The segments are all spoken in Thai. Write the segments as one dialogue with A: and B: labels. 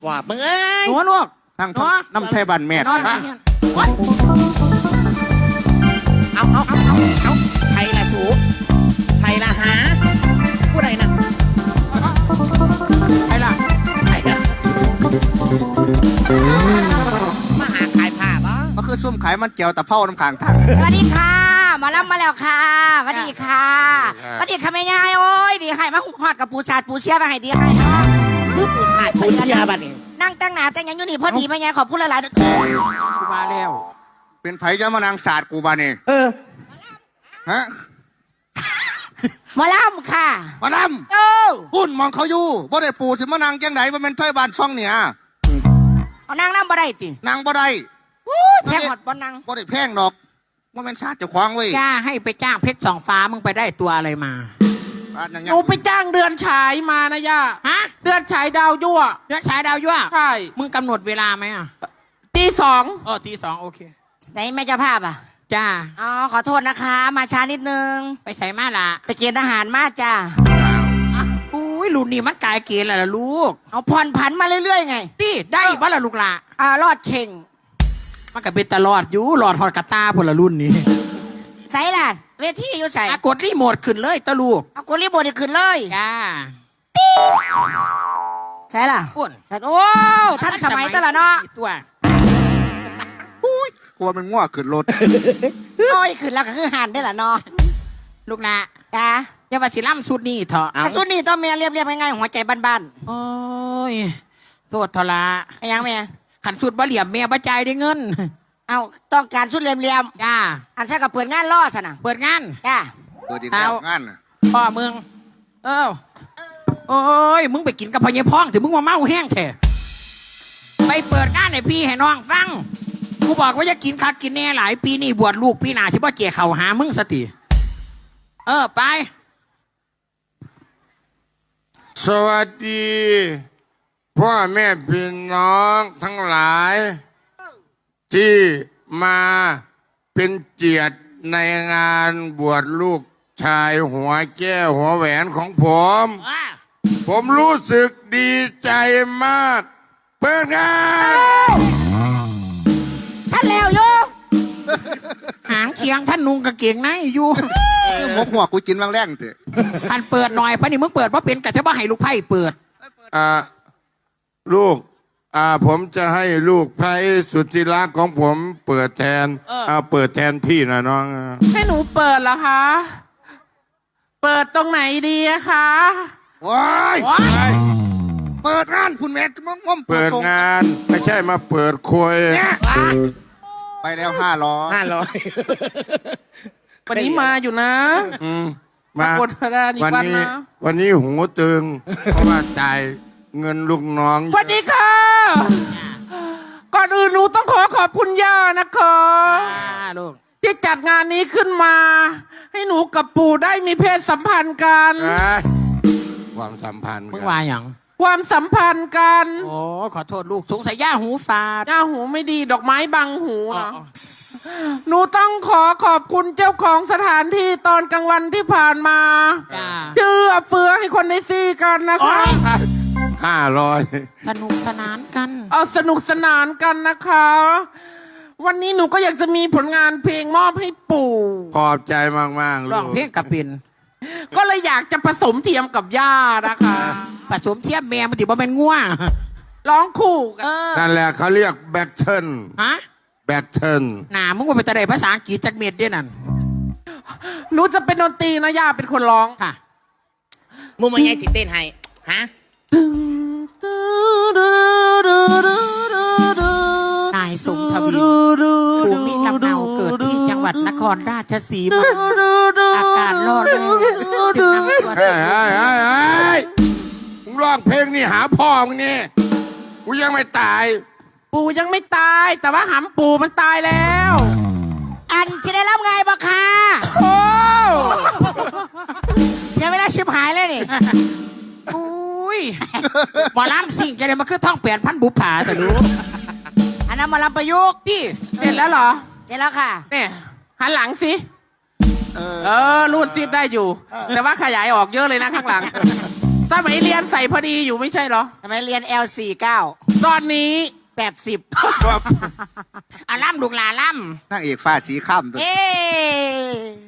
A: ว่ามึงเอ้ย
B: หนูลูก
C: นั่งน้ำไทยบันแม่
B: นอน
A: เอาไทยละสูไทยละหาผู้ใดนะ
B: ใครล่ะ
A: ไทยละมาหาขายผ้าบ่
C: ก็คือซุ่มขายมันเจียวตะเภาน้ำขางทาง
D: สวัสดีค่ะหมารับมาแล้วค่ะสวัสดีค่ะสวัสดีค่ะแม่ยายโอ้ยดีให้มาหุบหอดกับปูชาดปูเชียมาให้ดีให้เนาะ
A: คือผู้ชายผู้เชียบัดนี้
D: นั่งแต่งหน้าแต่งหยังอยู่นี่พอดีแม่ยายขอบคุณหลายๆ
B: กูมาแล้ว
C: เป็นไผจะมานางศาสตร์กูบานี่ ฮะ
D: หมอลำค่ะ
C: มาล
D: โอ้
C: ำพุ่นมองเขาอยู่บ่ได้ปูสิมานางจังไหนมันเป็นไทยบ้านช่องเนี่ย
D: เอานางน้ำบ่ได้ติ
C: นางบ่ได้
D: แพ้หอดบ่นาง
C: บ่ได้แพงดอกว่าเป็นชาติเจ้าของเว้ย
B: จ้าให้ไปจ้างเพชรสองฟ้ามึงไปได้ตัวอะไรมา
C: บ้านอย่าง
E: ห
C: เงี้
E: นู
C: ย
E: ไปจ้างเดือนฉายมานะย่า
B: ฮะ
E: เดือนฉายดาวยั่ว
B: เดือนฉายดาวยั่ว
E: ใช่
B: มึงกำหนดเวลาไหมอ่ะ
E: ตีสอง
B: อ๋อตีสองโอเค
D: ไหนแม่เจ้าภาพอ่ะ
B: จ้า
D: อ๋อขอโทษนะคะ มาช้านิดนึง
B: ไปใช้มาละ
D: ไปเกณฑ์ทหารมาจ้า
B: อุ้ยรุ่นนี้มันกายเกณฑ์แล้วล่ะลูก
D: เอาผ่อนผันมาเรื่อยๆไง
B: ตีได้บ่ล่ะลูกล่ะ
D: รอดเข่ง
B: มันก็เป็นตลอดอยู่หลอดหอดกระตาพลรุ่นนี้
D: ใส่ล่ะเวทีอยู่ใส่
B: กดรีโมทขึ้นเลยตะลูก
D: เอากุลีโบดขึ้นเลย
B: จ้า
D: ใส่ล่ะ
B: ปุ่น
D: ใส่โอ้ท่านสมัยตะละเนาะ
B: ตัว
C: กลัวมันง่วขึ้นรถ
D: โอ้ยขึ้นแล้วก็คือหันได้อละเนาะ
B: ลูกล่ะ
D: จ้า
B: อย่าว่าสิล่ำสุดนี่เถอะ
D: สุดนี่ต้องเมียเรียบๆง่ายๆหัวใจบ้าน
B: โอ้ยโทษทละ
D: ๆไอ้ยังเมีย
B: ขันสุดบ่เหลี่ยมแม่บ่ใจายได้เงิน
D: เอาต้องการสุดเหลี่ยม
B: จ้า
D: ๆอันใช่กับเปิดงานล่อซะนะ
B: เปิดงาน
D: จ้า
C: เปิดอีกแล้ว
B: เอา
C: งานน่ะ
B: พ่อมึง เอ้าโอ้ย มึงไปกินกับพญพ้องถึงมึงมาเมาแห้งแท้ไปเปิดงานให้พี่ให้น้องฟัง กูบอกว่าจะกินคักกินแน่หลายปีนี่บวชลูกปีหน้าที่ว่าเกี่ยเข่าหามึงสติ ไป
F: สวัสดีพ่อแม่พี่น้องทั้งหลาย ที่มาเป็นเกียรติในงานบวชลูกชายหัวแก้วหัวแหวนของผม ผมรู้สึกดีใจมาก เปิดงาน
D: ท่านแล้วโย
B: หางเคียงท่านนุงกางเกงในอยู่
C: คือหมกหัวกูกินบางแรงเถอะ
B: ท่านเปิดหน่อยพะนี่มึงเปิดเพราะเป็นกะจะว่าให้ลูกไพ่เปิด
F: ลูกผมจะให้ลูกไพสุดที่รักของผมเปิดแทนเปิดแทนพี่นะน้อง
E: ให้หนูเปิดเหรอคะ เปิดตรงไหนดีอะคะ
C: ว้าย
B: ว้าย
C: เปิดงานคุณแม่จะง่อม
F: เปิด
C: ส่ง
F: งานไม่ใช่มาเปิดคุย
C: ไปแล้ว500
E: วันนี้มาอยู่นะ
F: มา
E: ปรากฏว่านี่วันนะ
F: วันนี้หูตึง เพราะว่าจ่ายเงินลูกน้อง
E: สวัสดีค่ะ ก่อนอื่นหนูต้องขอบคุณย่านะคะ
B: ลูก
E: ที่จัดงานนี้ขึ้นมา ให้หนูกับปู่ได้มีเพศสัมพันธ์กัน
F: ความสัมพันธ์
B: มึง
F: กัน
B: ว่าอย่าง
E: ความสัมพันธ์กัน
B: โอ้ขอโทษลูกสงสัยย่าหูฝาด
E: ย่าหูไม่ดีดอกไม้บังหูเหรอ
B: อ๋อ
E: หนูต้องขอบคุณเจ้าของสถานที่ตอนกลางวันที่ผ่านมา
B: จ้า
E: เชื่อเฟือให้คนได้ซี่กันนะคะ
F: 500
B: สนุกสนานกัน
E: เอาสนุกสนานกันนะคะ วันนี้หนูก็อยากจะมีผลงานเพลงมอบให้ปู่
F: ขอบใจมากๆ
B: ร้
F: ลู
B: อง
F: ก
B: เพลงกับเป็น
E: ก็เลยอยากจะผสมเทียมกับย่านะคะ
B: ผสมเทียบแม่มันติบ่เป็นง่วง
E: ร้องคู่กัน
F: นั่นแหละเขาเรียกแบ็กเทิล
B: ฮะ
F: แบ็กเทิล
B: หนามึงว่าเป็นตะไดภาษาอังกฤษจักเม็ดด้วยนั่น
E: หนูจะเป็นดนตรีนะย่าเป็นคนร้อง
B: ค่ะ
A: มึงมาไงสิเต้นให้ฮะ
B: นายสมทวินภูมิลำเนาเกิดที่จังหวัดนครราชสีมา อาการรอดแล้วจึงนำตัว
F: เฮ้ยมึงร้องเพลงนี่หาพ่อมึงนี่กูยังไม่ตาย
E: ปู่ยังไม่ตาย แต่ว่าหำปู่มันตายแล้ว
D: อันสิได้รับไงบ่ค่ะ
E: โอ้
D: เสียเวลาชิบหายเลยนี่
B: อุ้ยหมอลำสิ่งจะได้มาคือท่องเปลี่ยนพันบุปผาแต่รู้
D: อันนั้นหมาลำประยุกต์
E: พี่เสร็จแล้วเหรอ
D: เสร็จแล้วค่ะ
E: เนี่ยหันหลังสิรูดซิปได้อยู่ แต่ว่าขยายออกเยอะเลยนะข้างหลังสมัยเรียนใส่พอดีอยู่ไม่ใช่เหรอ
D: ทำไมเรียน L49
E: ตอนนี้
D: 80
B: อาล่ำลูกหลาล่
C: นางเอกฟ้าสีข้ามตัว
D: เอ๊ะ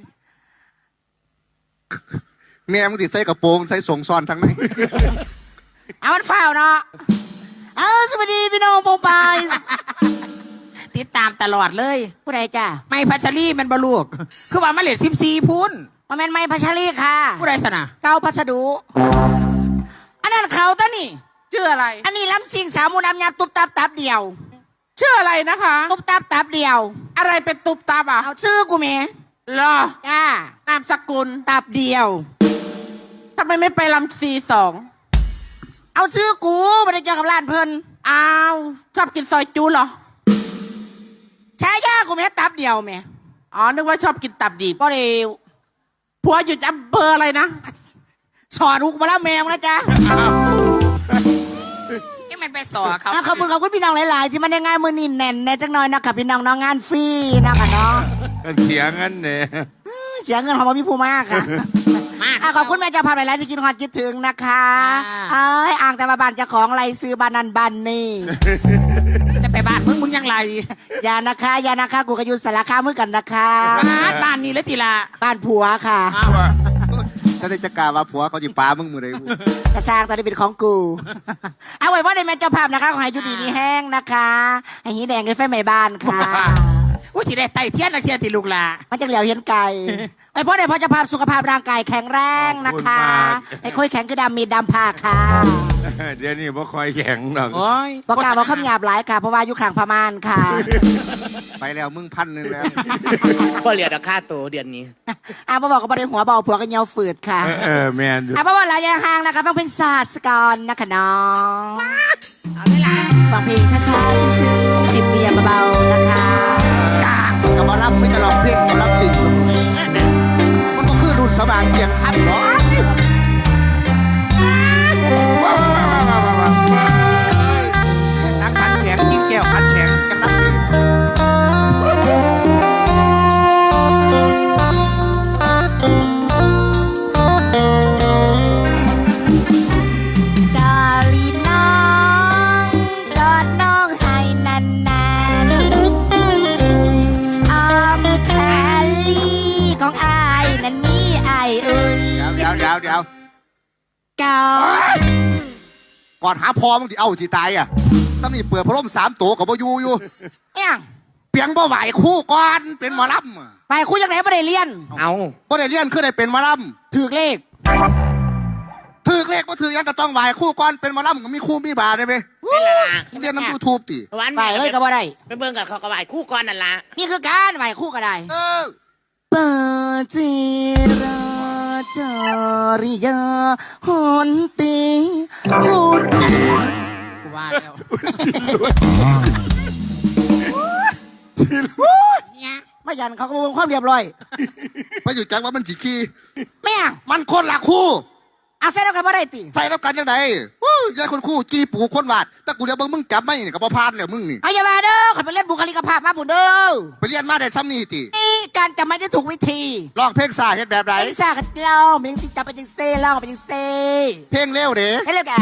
C: แม่มึงติดใส่กระโปรงใส่ส่งซ้อนทั้งนั้น
D: เอามันเฝ้าเนาะเอาสวัสดีพี่น้องปองปาย
B: ำติดตามตลอดเลย
D: ผู้ใดจ้า
B: ไม่พัชรีแมันบลูก คือว่ามาเลท14พูน
D: มาแม่นไม้พัชรีค่ะ
B: ผู้ใดสนะ
D: เก้าพัสดุอันนั้นเขาตะนี่
E: ชื่ออะไร
D: อันนี้ล้ำสิงสาวมูนำยาตุบตับตับเดียว
E: ชื่ออะไรนะคะ
D: ตุบตับตับเดียว
E: อะไรเป็นตุบตับอ่ะ
D: เอาชื่อกูแม่
E: เหรอ
D: จ้าน
E: ามสกุล
D: ตับเดียว
E: ทำไมไม่ไปลำC2
D: เอาชื่อกูไม่ได้เจอกับร้านเพิ่น
E: อ้าวชอบกินซอยจูเหรอ
D: ใช้ยากูแม่ตับเดียวแม่
E: อ๋อนึกว่าชอบกินตับดิบ
D: บ่ได้
E: ผัวอยู่อำเภออะไรนะ
D: สอนลูกมาแล้วแมวนะจ๊ะ
B: นี่มันไปสอเขา
D: ขอบคุณพี่น้องหลาย ๆ ที่มาในงานมือนินแน่นแน่จังหน่อยนะคะพี่น้องน้องงานฟรีนะคะเนาะ
F: เถียงกันเนี่ย
D: เสียเงินของพี่ภูมากค่ะ
B: มาก
D: ขอบคุณแม่เจ้าภาพหลาย ๆ ที่คิดฮอดคิดถึงนะคะ
B: อ่า
D: อ่างแต่มาบานเจ้าของไรซื้อบ้านนันบ้านนี่
B: แต่ไปบ้านมึงยังไร
D: อย่านะคะกูก็อยู่สารคามมือกันนะคะ
B: บ้านนี้เลยทีละ
D: บ้านผัวค่ะ
B: อ้าว
C: จะได้จะกล่าวว่าผัวเขาจิปามึงมือใดกู
D: กระสร้างตอนนี้เป็นของกู เอาไว้ว่าในแม่เจ้าภาพนะคะขอให้อยุดีมีแห้งนะคะให้หีแดงให้ไฟไหม้บ้านค่ะ
B: ว่าที่ได้ไต่เทียนนะเทียนที่ลูกหลา
D: มันจะเหลียวเห็นไก่ไอ้พ่อในพ่อเจ้าภาพสุขภาพร่างกายแข็งแรงนะคะไอ้ค่อยแข็งคือดำมีดำผ้าค่ะ
F: เดี๋ยวนี้บ่คอยแข็งหรอก
B: โอ้ย
D: บอกกล่าวบอกคำหยาบหลายค่ะเพราะว่าอยู่ข้างพม่านค่ะ
C: ไปแล้วมึง1,000แล้ว
A: พ่อเหลียดค่าตัวเดือนนี้
D: พ่อบอกกับประเด็นหัวเบาผัวกันเหี่ยวฝืดค่ะ
F: แมนอยู่
D: พ่อบอกหลายอย่างห่างนะคะฟังเพลงศาสกรนะคะน้อง
B: เอาได้ละ
D: ฟังเพลงช้าๆซึ้งๆจิบเบียร์เบาๆนะคะ
C: กลางกับมารับไม่จะลองเพลงมารับสิ่งสมมันก็คือรุ่นสบางเกียงคันเนาะ
F: ว้าว
C: สักขันแข็งกิ้งแก้วขันแข็งกันรับดี
D: กาลีน้องกอดน้องให้นานๆอ้อมแคลีของอายนั้นมีอายเอ้ย
C: เดี๋ยว
D: กอด
C: ก่อนหาพอมึงที่เอาสิตายอ่ะต้องมีเปิดพร่ม3ตัวกับบ่อยู่
D: เนี่ย
C: เปียงบ่ไหวคู่ก่อนเป็นหมอลำ
D: ไปคุยจากไหนไม่ได้เรียน
A: เอา
C: บ่ได้เรียนคือได้เป็นหมอล
D: ถือเลข
C: ำถือเลขบ่ถือยังก็ต้องไหวคู่ก่อนเป็นหมอลำก็มีคู่มีบาได้ไหม
A: ไม่ละละ
C: เรียนน้ำยูทูบติ
A: วัน
D: ไปเลยก็บ่ได้
A: ไปเบิ่งกับเขากระบายคู่ก่อนนั่นละ
D: นี่คือการไหวคู่ก็ได้
C: เออ
D: ปาจิราจาริยาหอนตีพูด
B: กูว่าแล้วเนี่ย
D: ไม่ยันเขาก็บอกความเรียบร้อย
C: ไปอยู่จังว่ามันสิขี้
D: ไม่ยัง
C: มันคนละคู่
D: เอาใส่แล้วกันบ่ได้ติ
C: ใส่แล้วกันยังไงยายคนคู่จีปูคนวาดแต่กูเดี๋ยวมึงจับไม่นี่กับพ่อพานแล้วมึงนี่
D: เอาอย่ามาเด้อขอยไปเล่นบุคลิกภาพมาบุญเด้อ
C: ไปเรียนมาได้ซ้ำนี่ติ
D: นี่การจะไม่ได้ถูกวิธี
C: ลองเพลงสาเฮ็ดแบบไหน
D: ไอ้สากัดเราเมียงสิจับไปจังเซ่เล่าไปจังเซ่
C: เพลงเร็วเด้
D: ให้เลิกอ่ะ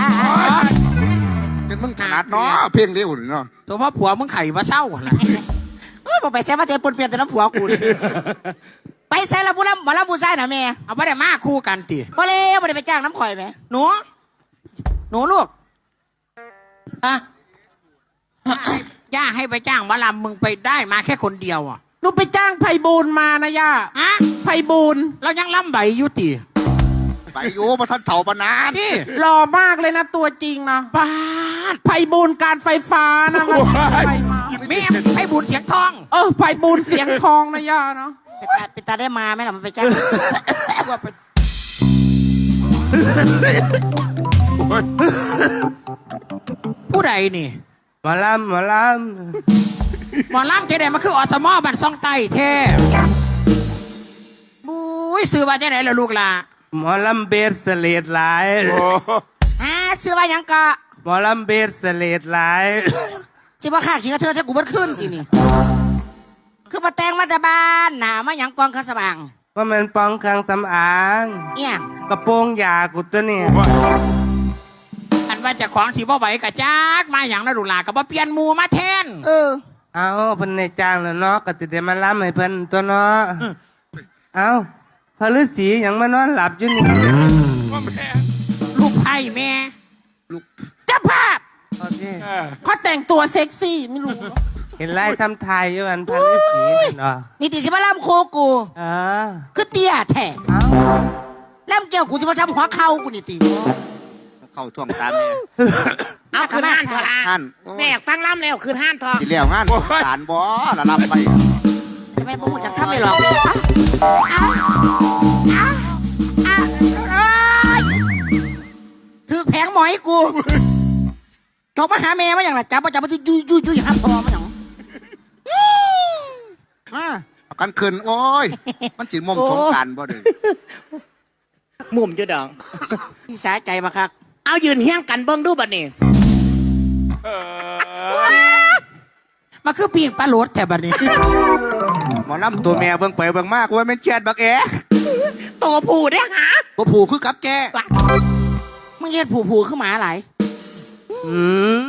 C: เป็นมึงถนัดเนาะเพลงเร็วนี่เนาะ
B: ตัวพ่อผัวมึงไข่มาเศร้าล่ะ
D: เอ้ยบอกไปแซ่มาเทปนเปลี่ยนแต่น้ำผัวกูนี่ไปแซ่ละผู้ลำหมอลำผู้ชายน่ะแม่
B: เอาไม่ได้มาคู่กันติ
D: บ่เลยบ่ได้ไปจ้างน้ำข่อยแม่
B: หนูลูกอะย่าให้ไปจ้างหมาลำมึงไปได้มาแค่คนเดียวอ่ะ
E: หนูไปจ้างไพบูลย์มานะย่า
B: ฮะ
E: ไพบูลย์
B: เรายังล่ำใบอยู่ติ
C: ไปอยู่มาท่านเถ่าปานาน
B: นี่
E: หล่อมากเลยนะตัวจริงนะ
B: ป้าด
E: ไพบูลย์การไฟฟ้านะมันไฟมา
B: แม่ให้บุญเสียงทอง
E: ไพบูลย์เสียงทองนะย่าเนาะ
D: ไปตาได้มาไหมล่ะมันไปจ้าง
B: ผู้ใดนี่
A: หมอลำ
B: หมอลำเจไดมันคืออสมอบันซองไตแท้บุ้ยซื้อมาเจไดล่ะลูกล่ะ
A: หมอลำเบสเลดหลาย
D: ซื้อว่าหยังก็
A: หมอลำเบสเลดหลาย
D: สิว่าข้าขี้กระเทือใส่กูเบิดขึ้นอีนี่คือมาแต่งมาแต่บ้านหนามาหยังกองข้าสว่าง
A: ว่ามันปองเครื่องสำอาง
D: เอี่ยง
A: กระโปรงยากูตัวเนี่ย
B: อันนว่าเจะของที่บ่ไหวกะจักมาอย่างนั้นลูกหลานก็บ่เปลี่ยนหมูมาแทน
E: เอาเพิ่นในจ้างแล้วเนาะก็จะได้มาล้ำให้เพิ่นตัวเนาะเอาพระฤาษียังมานอนหลับอยู่นี่
B: ลูกไผ่แม่เจ้าภาพ
E: โอเค
A: เขาแต่งตัวเซ็กซี่ไม่รู้
E: เห็นไล่ทำทายอยู่อันพระฤาษีนั่นเนาะ
A: นี่ติสิมาล่ำโคกู
E: เออ
A: คือเตี้ยแท้
E: เอา
A: ล่ำเกี่ยวกูจะมาทำหัวเข่ากูนี่ติ
C: เข้าท่วงตามแม่
A: เอาคืนห้านเถอะละ
C: ท่าน
A: แม่อยากฟังล่ำแล้วคืนห้านเถอะ
C: สิแล้วงานสารบ่ละรับไป
A: แม่พูดจากทำไม่หรอกถือแผงหมอยกูจบมาหาแม่มาอย่างไรจับมาจับมาที่ยุยห้ามพอมาอย่างมา
C: กันคืนโอ้ย มันสิมุมสงกรานต์บ่เด้อ
A: มุมจุดดองพี่สาใจมาครับเอายืนเฮี้ยงกันเบิ้งดูบัดนี้
B: มาคือปีกปลาโหลดแถบบัดนี้
C: หมอลำตัวแม่เบิ่งไปเบิ่งมากว่าแม่นแชดบักแอ
A: โตผูได้หา
C: บ่ผูคือกับแก
A: มึงเฮ็ดผูขึ้นมาหลาย
E: อืม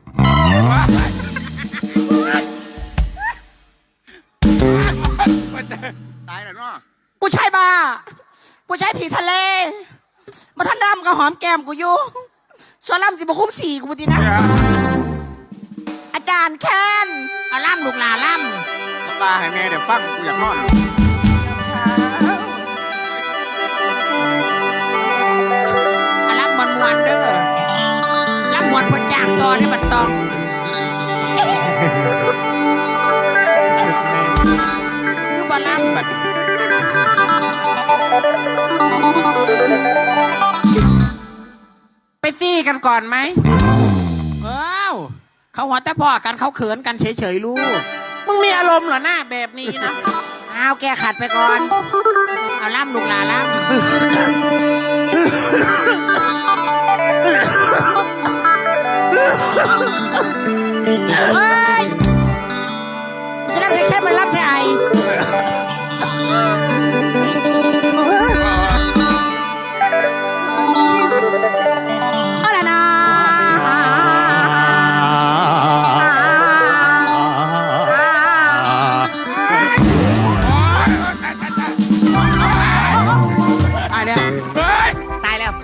C: ตายแล้วเนาะ
A: กูใช่บ้ากูใช่ผีทะเลมาท่านดำกับหอมแก้มกูอยู่ส่วนล่ำสิบคุ้มสี่กูดีนะ อาจารย์แค้น
B: เอาล่ำลูกหลานล่
C: ปลาให้แม่เดี๋ยวฟังกูอยากนอน
B: ำเอาล่ำมวนๆเด้อล่ำมวนเพิ่นจ้างต่อได้บัดซองคือบ่ล่ำบัดนี้
E: ไปซี่กันก่อนไหม
B: ว้าวเขาหัวแต่พ่อกันเขาเขินกันเฉยๆลูก
E: มึงมีอารมณ์เหรอหน้าแบบนี้นะ
A: เอาแกขัดไปก่อน
B: เอาล่ำลูกหลานล่ำ
A: เฮ้ยกูจะรับใช้แค่มันรับใช้ไอเอาละนะ
B: ตายแล้ว
A: ตายแล้ว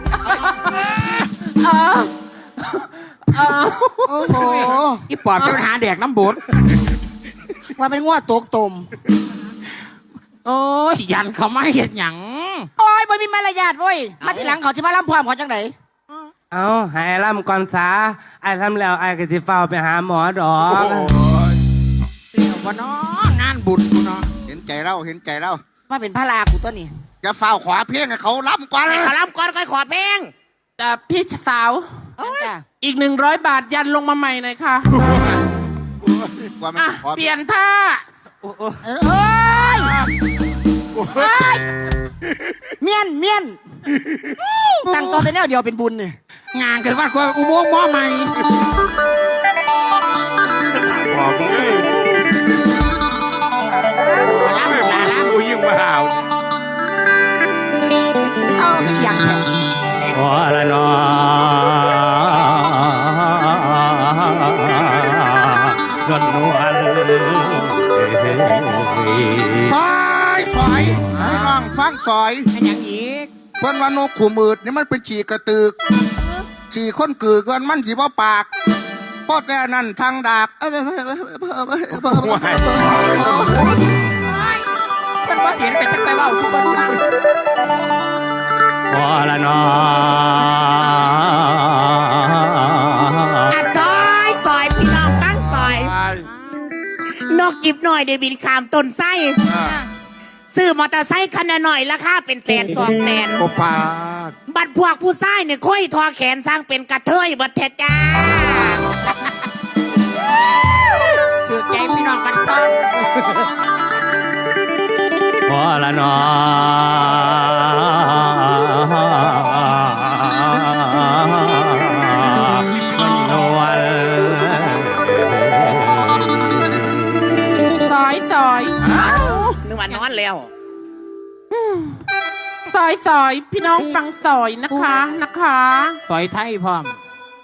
A: โอ้โห
B: อีปอบจะไปหาแดกน้ำบด
A: ว่าเป็นง้อตกตม
B: โอ้ยยันเขาไม่เห็นหยัง
A: โอ้ยไม่มีมารยาทเว้ย มาทีหลังเขาจะมาล่ำพร้อมเขาจังไหน
E: เอาให้ไอ้ล่ำก่อนซาไอ้ทำแล้วไอ้ก็สิเฝ้าไปหาหมอดอก
B: เสี่ยวบ่เนาะงานบุญกูเนาะ
C: เห็นใจเราเห็นใจเรา
A: มาเป็นพระลากูตัวนี้
C: จะเฝ้าขวาเพียงให้เขาล้ำก่อน
A: ขอล่ำก่อนค่อยขอเพลง
E: พี่สาว อีก100 บาทยันลงมาใหม่หน่อยค่ะ
C: กว่ามัน
E: อ่ะ
C: ขอ
E: เปลี่ยนท่า
A: เอ้ยเฮ้ยเมียนตั้งตัวแต่แนวเดียวเป็นบุญนี่
B: งานเกิดว่าอุโมงค์หม้อใหม่
F: บอกมึงเอ้ย
B: ล่ำลูกหลานล่ำ
F: กูยิ่งมาห่าว
A: เอาอีกอย่างแท้
E: ขอละนอดนนวล
C: ซอยให้น้องฟังซอย
B: เป็นอย่างอีก
C: เพิ่นว่านกขู่มืดนี่มันเป็นฉี่กระตึกฉี่คนกือกันมันสิบ่ปากเพราะแต่นั่นทางดาบ
B: เป็นว่าเห็นกันจะไปเว่าทุกคนฟัง
E: ขอละนอ
A: ซอยพี่น้องตั้งซอย
F: ตาย
A: นกกิบหน่อยเดบินขามต้นไส้ซื้อมอเตอร์ไซค์คันละหน่อยราคาเป็น100,000-200,000
F: โอปาด
A: บัดพวกผู้ชายเนี่ยค่อยทอแขนสร้างเป็นกระเทยบัดแทจ้า
B: ถือใจพี่น้องมันซ่อง
E: ขอละนอดนนวล ซอย
A: นึกว่านอนแล้ว
E: ซอยพี่น้องฟังซอยนะคะ
B: ซอยไทยพร้อม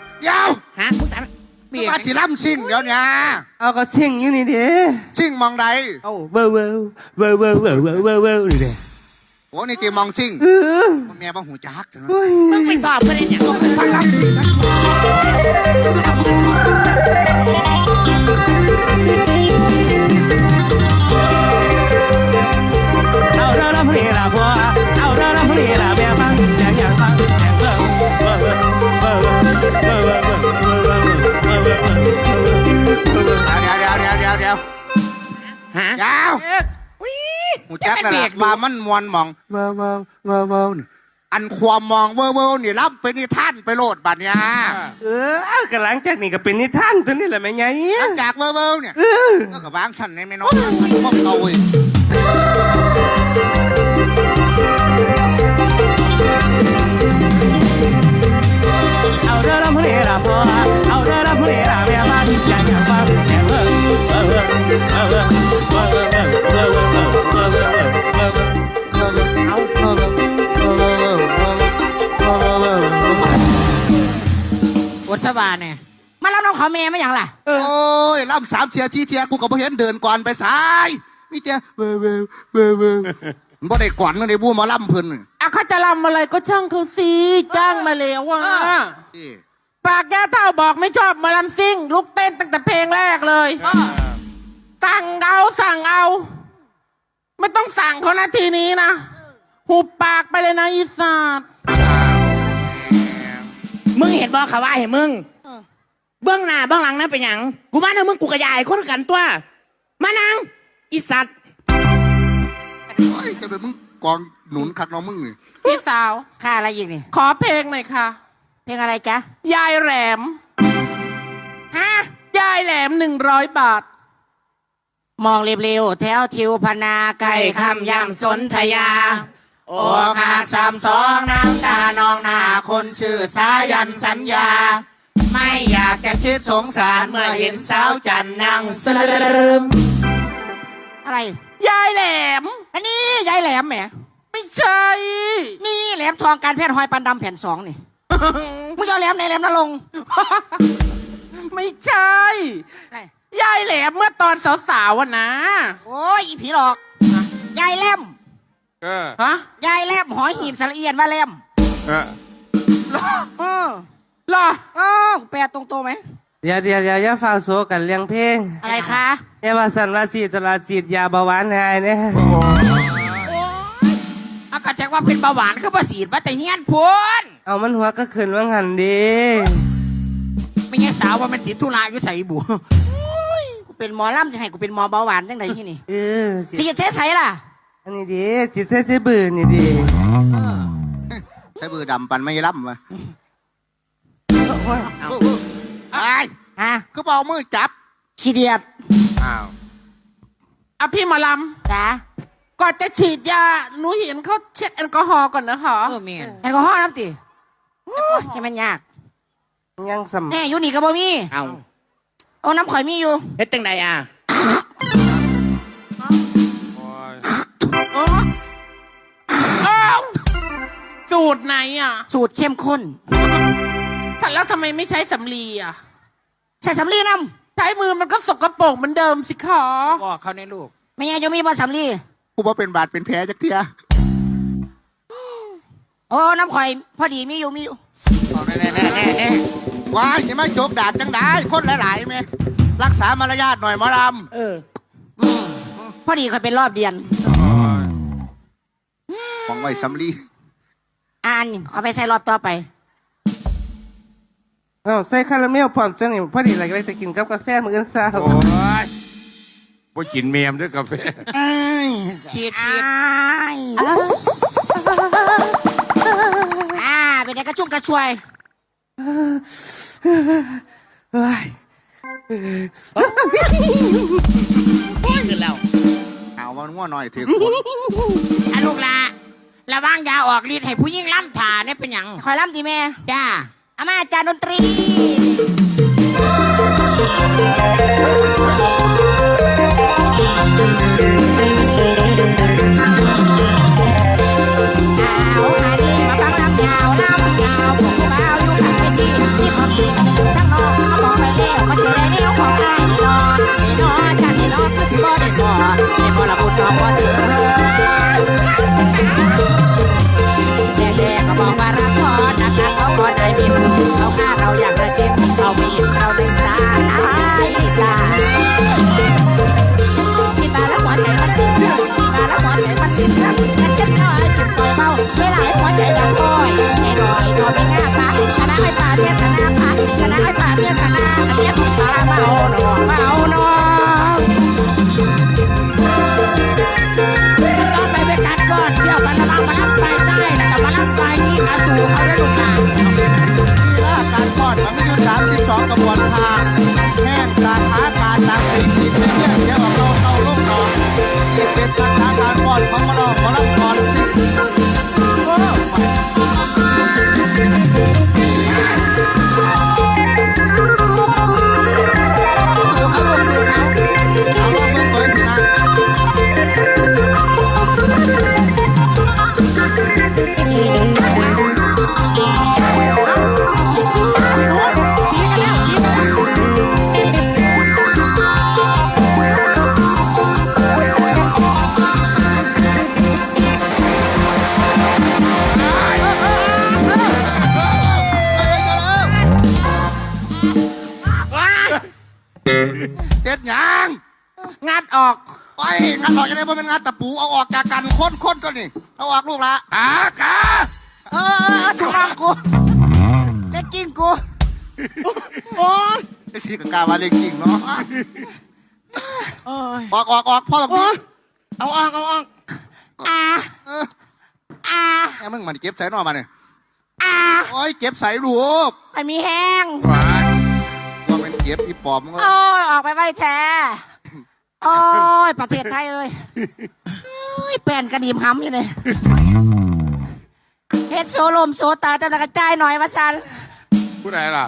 C: เดี๋ยว
B: ฮะมึงถามเบีย
C: มาสิล่ำซิ่งเดี๋ยวเนี้
E: เอาก็ชิงอยู่นี่เด้
C: ซิ่งมองใด
E: เอาเว้อเว้อเว้อเว้อเว้อเว้อเว้อเว้อนี่เด้
C: โอ้นี่ตีมองซิ่ง
E: เออ
C: มึงแม่บ่หูจักจัง
E: โอ้ย
B: มึงไปสอบเพื่อนเนี่ย
C: ไปฟังล่ำซิ่งนะ
E: เอาเด้อละผู้ดีละพ่อเอาเด้อละผู้ดีละแม่ฟังแจงอยากฟังแจงเว้อเว้อเว้อเว้อเว้อเว้อเว้อเว้อเว้อเว้อเว้อเว้อเว้อเว้อเว้อเว้อเว้อเว้อเว้อ
C: เดี๋ยว
B: ฮะ
C: ยาว
B: วิ
C: หูจักแล้วล่ะว่ามันมวนมองเว้อเว้อเว้อเว้อนี่อันความมองเว้อเว้อนี่รับเป็นนิทานไปโลดบัดเนี่ย
E: เออก็หลังจากนี้ก็เป็นนิทานตัวนี้แหละแม่ไง
C: หลังจากเว้อเว้อเนี่ยก็กับวางชั้นในแม่น้องพวกเราเว้ย
E: เอาเด้อละผู้ดีละพ่อเอาเด้อละผู้ดีละแม่ฟังแจงอยากฟังแจงเว้อเว้อเว้อเว้อเว้อเว้อเว้อเว้อเว้อเว้อเว้อเว้อเว้อเว้อเว้อเว้อ
B: วัชบาเนี่ย
A: มารับน้องขอแม่ไม่อย่างล่ะ
C: โอ้ยล่ำ3 เทีย4 เทียกูก็บ่เห็นเดินก่อนไปสายมีเทียเว้อเว้อเว้อเว้อมันบ่ได้ก่อนมันได้บู้มาล่ำเพิ่นนี่
G: อ่ะเขาจะรำอะไรก็ช่างเขาสิจ้างมาแล้วว่า
C: นี่
G: ปากแก้วเท่าบอกไม่ชอบมาลำซิ่ง ลุกเต้นตั้งแต่เพลงแรกเลยสั่งเอา ไม่ต้องสั่งเขานาทีนี้นะหุบปากไปเลยนะอีสัตว์
B: มึงเห็นบอกเขาว่าเห็นมึงเบื้องหน้าเบื้องหลังนั่นเป็นหยังกูมาเนี่ยมึงกูกระยายคนกันตัวมานังอีสัตว์
C: โอ้ยจะเป็นมึงกองหนุนคักน้องมึงนี่
G: พี่สาว
A: ค่าอะไรอีกนี่
G: ขอเพลงหน่อยค่ะ
A: เพลงอะไรจ๊ะ
G: ยายแหลม
A: ฮะ
G: ยายแหลม100 บาท
A: มองเร็วๆแถวทิวพนาไก่คำยำสนธยา โอ้ขาด32น้ำตานองหน้าคนสื่อสายันสัญญา ไม่อยากจะคิดสงสารเมื่อเห็นสาวจันนั่งสลืมอะไร
G: ยายแหลม
A: อันนี้ยายแหลมแหม
G: ไม่ใช่
A: นี่แหลมทองการแพทย์หอยปันดำแผ่น2นี่ มึงจะเอาแหลมไหนแหลมนรงค์
G: ไม่ใช่
A: ไหน
G: ยายแหลมเมื่อตอนสาวๆอะนะ
A: โอ้ยอีผีหลอก ยายแหลม
G: ฮะ
A: ยายแหลมหอยหีบสระเอียนว่าแหลม
F: เออ
A: เออ
G: เหรอ
A: อ้าวแปลตรงๆไหม
E: เดี๋ยวอย่าฟังโซกันเลี้ยงเพลง
A: อะไรคะ
E: อย่าว่าสันว่าสีตลาดสีดยาเบาหวานหายเนี่ย
B: อากาศจากว่าเป็นเบาหวานคือประสีดว่าแต่เฮียนพูน
E: เอามันหัวก็ขึ้นว่างันดี
B: ไม่ใช่สาวว่ามันติดธุระอยู่ใส่บุ
A: กูเป็นหมอลำจะให้กูเป็นหมอเบาหวานจังไดที่นี่
E: เออ
A: สิเจ๊ใส่ล่ะ
E: อันนี้ดีจิตเส้บือนี่ดี
C: ใช้มือดำปันไม่ล่ำวะไอ้
A: ฮะ
C: ก็บอกมือจับ
A: ขี้เดียด
F: อ้าว
G: อ่ะพี่หมอล
A: จ้า
G: ำก่อนจะฉีดยาหนูเห็นเขาเช็ดแอลกอฮอล์ก่อนนะคะ
B: เออเมียน
A: แอลกอฮอล์น้ำติโอ้ยจะมันยาก
E: ยังสำ
A: แน่อยู่นี่ก็บ่มี
H: เอา
A: โอ้น้ำข่อยมีอยู่
H: เฮ็ดจังใดอ่ะ
F: โอ้ย
G: อ้าวสูตรไหนอ่ะ
A: สูตรเข้มข้น
G: แล้วทำไมไม่ใช้สำลีอ่ะ
A: ใส่สำลีน้
G: ใช้มือมันก็สกปรกเหมือนเดิมสิคะ
B: บอกเขาในลูก
A: ำไม่ไงจะมีบ่สำลี
C: กูว่าเป็นบาดเป็นแผลจากเทีย
A: โอ้น้ำข่อยพอดีมีอยู่
C: เอาแน่ว้ายจะมาโจกดาดจังได้คนหลายๆไหมรักษามารยาทหน่อยหมอล
H: เออ
A: พอดีข่อยเป็นรอบเดือน
C: ำของไว้สำลี
A: อ่านเอาไปใส่รอบต่อไป
E: เอาใส่คาราเมลพร้อมจังนี่พอดีอะไรก็เลยจะกินกับกาแฟมื้ออนเช้า
F: โอ้ยบ่กินเมียมด้วยกาแฟ
B: ฉีด
A: เป็นไงกระชุ่มกระชวย
E: เฮ้ย
H: ดีขึ้นแล้ว
C: เอามันง่วหน่อยเถอะ
B: อ่ะลูกละระวังยาออกฤทธิ์ให้ผู้หญิงล้ำถ่าเนี่ยเป็นหยัง
A: คอยล้ำตีแม่
B: จ้า
A: อามาอาจารย์ดนตรีเอาหาดีมาฟังลำยาวลำยาวพวกกูบ่าวอยู่ข้างเวทีมีความดีกันถึงทั้งน้องเขาบอกไปแล้วว่าเสียได้แนวของอายนี่นอชาตินี่นอคือสิบ่ได้บ่ละบุญน้องบ่เถือแย่ๆก็บอกว่ารักพอนักเขาขอได้ดิบเขาฆ่าเราอย่างละเจ็บเขาไม่เห็นเราในสายตาพี่ตาแล้วหัวใจมันติดพี่ตาแล้วหัวใจมันติดสักและเจ็บน้อยจิบปล่อยเบาเวลาให้หัวใจดังคอยแน่หน่อยทอไม่ง่าปะชนะให้ป่าเนี่ยชนะปะชนะให้ป่าเนี่ยชนะอันเนี้ยพี่ตาเบาหนอเบาหนอต้องไปเป็นการก่อนเที่ยวกันระวังมารับไปได้แต่มารับไปนี่อาสูเขาได้ลูกหลาน
C: นี่ละการคลอดมันมีอยู่32กระบวนการแห้งการหาการต่างเป็นขีดเป็นเนี่ยเดี๋ยวเราเตาลูกนอนนี่เป็นภาษาการคลอดของหมอลำก่อนสิเอาลองเบิ่งตัวสินะเด็ดหยัง
G: งัดออก
C: ไอ้งานออกจะได้บ่เป็นงานตะปูเอาออกจากกันค้นก็นี่เอาออกลูกละ
F: อากา
A: ถูกต้องกูเล็กกิ้งกูโอ้ย
C: ไอ้สีกกาว่าเล็กจริงเนาะออกพ่อแบบนี้เอาออก
A: อ่า
C: แม่มึงมันเก็บใส่นอมาเนี่ยโอ้ยเก็บใส่ลูก
A: ไม่มีแห้ง
F: หวาน
C: ว่าเป็นเก็บอีปอบมึง
A: โอ้ยออกไปไว้แท้โอ้ยประเทศไทยเอ้ยแป้นกระดิ่มห้ำอยู่เลยเฮ็ดโซลมโซตาแต่ละกระจายหน่อยวะซัน
F: ผู้ใดล่ะ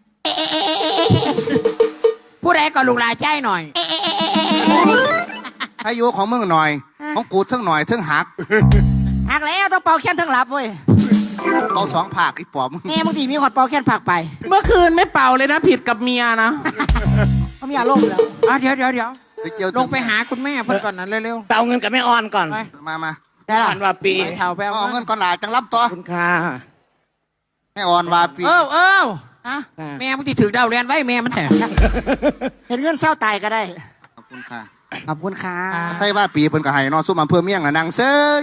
B: ผู้ใดก็ลูกหลานใจหน่อย
C: อายุของมึงหน่อยของกูเท่งหน่อยเท่งหัก
A: หักแล้วต้องเป่าแค้นทั้งหลับเว้ย
C: เอา2 ภาคอีปอบมึง
A: แม่บางทีมีขอดเป่าแค้นผักไป
G: เมื่อคืนไม่เป่าเลยนะผิดกับเมียนะ
A: เขามีอารมณ์แล้ว
B: เดี๋ยว
C: ไปเกี่ยว
B: ลงไปหาคุณแม่เพิ่นก่อนนั้นเร็ว
H: ไปเอาเงินกับแม่ออนก่อน
B: ไป
C: มา
A: ได้
H: อ่
A: ละ
H: อนว่าปี
B: ๆไปเท่าไป
C: เอาเงินก่อนหลาจังรับต่อ
H: คุณค่า
C: แม่อ่อนว่าปี
B: เออ
A: อะ
B: แม่มึงที่ถือดาวเรียนไว้แม่มันแต่
A: เห็นเงินเศร้าตายก็ได้
C: ขอบคุณค่ะ
A: ขอบคุณค่ะ
C: ใช่ว่าปีเพิ่นก็ให้เนอซุ่มอำเภอเมียงน่ะนางเซย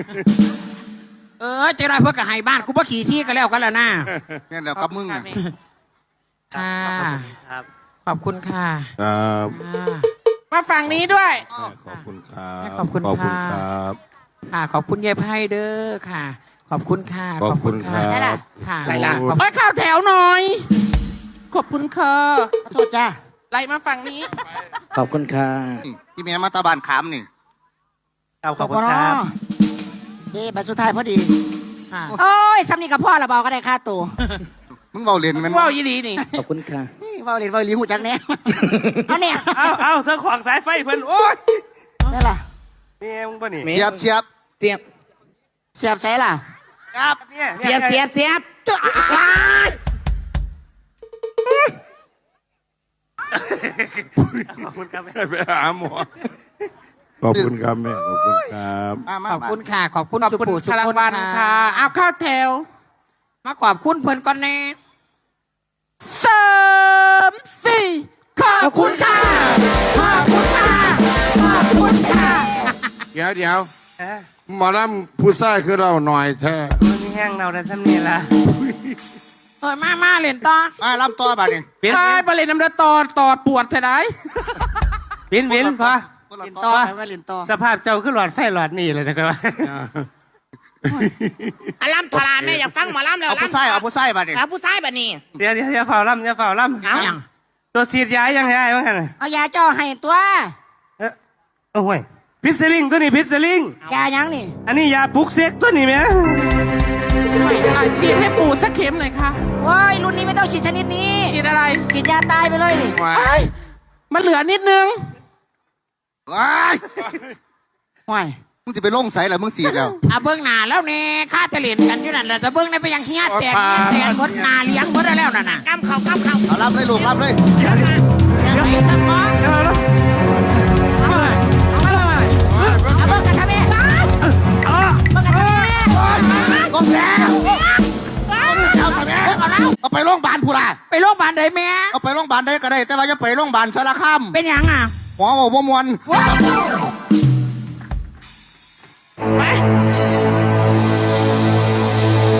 B: เจ้าได้เพื่อกระหายบ้านกูบ่ขี่ที่ก็แล้วกันแล้วนะ
C: แม่นแล้วกับมึงน่ะ
B: ค่ะ
E: ครับ
B: ขอบคุณค่ะ
F: ครับ
G: มาฝั่งนี้ด้วย
F: ขอบคุณครับ
B: ขอบคุณ
F: ขอบคุณ
B: ค่ะ
F: ครับ
B: ค่ะขอบคุณยายไพ่เด้อค่ะ ขอบคุณค่ะ
F: ขอบคุณค
B: ค่ะ
F: รับ
B: ค่ะ
H: ใครล่ะ
B: ขอบ
G: ไปเข้าแถวหน่อย ขอบคุณค่ะ
A: ขอโทษจ้า
G: ไล่มาฝั่งนี้
H: ขอบคุณค่ะ
C: นี่พี่แม่มาตาบานขามนี่
E: ครับขอบคุณครับ
A: ดีใบสุดท้ายพอดี
B: ค่ะ
A: โอ้ยซ้ำนี่กับพ่อละเบาก็ได้ค่าตัว
C: มึงเว้าเล่นแม่น
G: ว่าวยีดีนี่
H: ขอบคุณค่ะ
A: เบาเรียนเบาเรียนหูจักแน่เอาเนี่ย
E: เอาเธอขวางสายไฟเพิ่นโอ้ย
A: นี่ล่ะ
E: แม่มึงป่ะนี่
C: เชียบ
H: เสียบ
A: เสียบใส่ล่ะ
C: ครับ
E: เนี่ย
H: เสียบเสียบเสียบ
A: จ้า
E: ขอบคุณครับแม่
F: ไปหาหมอขอบคุณครับแม่ขอบคุณครับ
C: มา
B: ขอบคุณค่ะ ขอบคุณ
G: ขอบ
B: สุ
G: คุณ
B: ภูสุ
G: พลัง
B: คน
G: วันค่ะเอาเข้าแถว
B: มาขอบคุณเพิ่นก่อนแน่
G: สามสี่ขอบคุณค่ะ
A: ขอบคุณค่ะ ขอบคุณค่ะ
F: เดี๋ยว
E: ฮะ
F: หมอลำผู้ชายคือเราหน่อยแท้
E: มันมีแห้งเราได้ทำนี่ละ
B: มาเล่นต่อ
C: มาลำต่อบัดนี้
E: เปลี่ยน
G: ตายบริเลนน้ำเดือดตอดปวดเท่าไหร่
E: เปลี่ยนพอ
C: คนละ
A: เรียน
C: ต่
A: ต่
C: อ
A: อไปว่าเรียนต่อ
E: สภาพเจ้าขึ้นหลอดไฟหลอดนี่เลยนะครับ
H: อาล่ำทรานแม่อยากฟังหมอล่ำแล้ว
C: เอาผู้ชายเอาผู้ชายบัดนี้
H: ครับผู้ชายแบบนี้
E: เดี๋ยวฝ่าล่ำอย่าฝ่าล่ำ
B: เอาอย่าง
E: ตัวสีดยายังไงบ้างกัน
A: เอายาเจ้าให้ตัว
E: โอ้ยพิษสลิงตัวนี้พิษสลิง
A: ยายังนี่
E: อันนี้ยาปลุกเซ็กตัวนี้ไหม
G: ฉีดให้ปู่สักเข็มหน่อยค่ะ
A: โว้ยรุ่นนี้ไม่ต้องฉีดชนิดนี้
G: ฉีดอะไร
A: ฉีดยาตายไปเลยนี่
G: เอ้ยมันเหลือนิดนึง
C: ว้าย
A: ห่วย
C: มึงจะไปลงใส่เหรอมึงสีดแล้ว
B: เอาเบิ้งหน้าแล้วเนี่ยข้าจะเล่นกันอยู่นั่นแหละแต่เบิ้งในไปยังเฮียแตกหมดหน้าเลี้ยงหมดแล้วนั่นน่ะ
H: กำเข่ากำเข่า
C: เอารับเลยลูกรับเลย
B: ยังไงสักมอ
E: เดี๋ยวแล้ว
A: เอาเบิ่งกันทำไมเบิ่งกันทำไม
C: ก้มแล้วเอาทำไมเอาไปโรงพยาบาลพูล่ะ
B: ไปโรงพยาบาลไหนแม่
C: เอาไปโรงพยาบาลได้ก็ได้ แต่ว่าจะไปโรงพยาบาลสารคาม
B: เป็นหยังอ่ะ
C: หมอบอกว่ามวน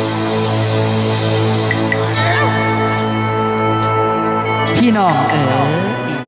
H: พี่น้องเอ๋ย